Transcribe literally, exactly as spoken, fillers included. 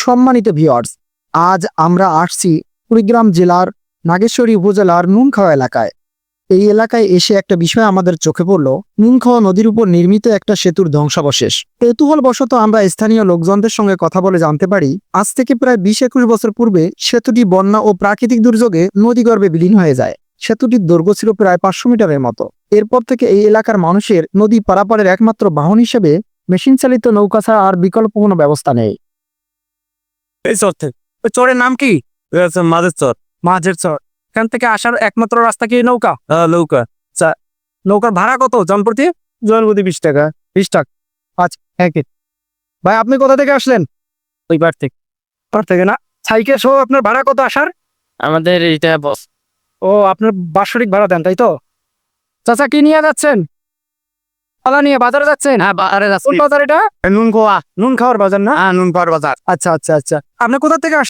সম্মানিত ভিউয়ার্স, আজ আমরা আসছি কুড়িগ্রাম জেলার নাগেশ্বরী উপজেলার নুনখাওয়া এলাকায়। এই এলাকায় এসে একটা বিষয় আমাদের চোখে পড়ল, নুনখাওয়া নদীর উপর নির্মিত একটা সেতুর ধ্বংসাবশেষ। কৌতূহলবশত আমরা স্থানীয় লোকজনদের সঙ্গে কথা বলে জানতে পারি, আজ থেকে প্রায় বিশ একুশ বছর পূর্বে সেতুটি বন্যা ও প্রাকৃতিক দুর্যোগে নদীগর্ভে বিলীন হয়ে যায়। সেতুটির দৈর্ঘ্য ছিল প্রায় পাঁচশো মিটারের মতো। এরপর থেকে এই এলাকার মানুষের নদী পারাপারের একমাত্র বাহন হিসেবে মেশিন চালিত নৌকা ছাড়া আর বিকল্প কোনো ব্যবস্থা নেই। এই চর থেকে ওই চরের নাম কি? মাঝের চর। মাঝের চর। এখান থেকে আসার একমাত্র রাস্তা কি নৌকা? হ্যাঁ নৌকা। আচ্ছা, নৌকার ভাড়া কত জনপ্রতি? জনপ্রতি বিশ টাকা। বিশ টাকা। আচ্ছা, একই। ভাই আপনি কোথা থেকে আসলেন? ওই পার থেকে। পার থেকে না? সাইকেল সহ আপনার ভাড়া কত আসার? আমাদের এইটা বস। ও, আপনার বাৎসরিক ভাড়া দেন তাই তো? চাচা কি নিয়ে যাচ্ছেন? পালা নিয়ে বাজারে যাচ্ছেন? হ্যাঁ বাজারে কোন যাচ্ছি। বাজার এটা? নুন খোয়া। নুন খাওয়ার বাজার না? হ্যাঁ নুন পাওয়ার বাজার। আচ্ছা আচ্ছা আচ্ছা। আপনি কোথা থেকে আসছেন?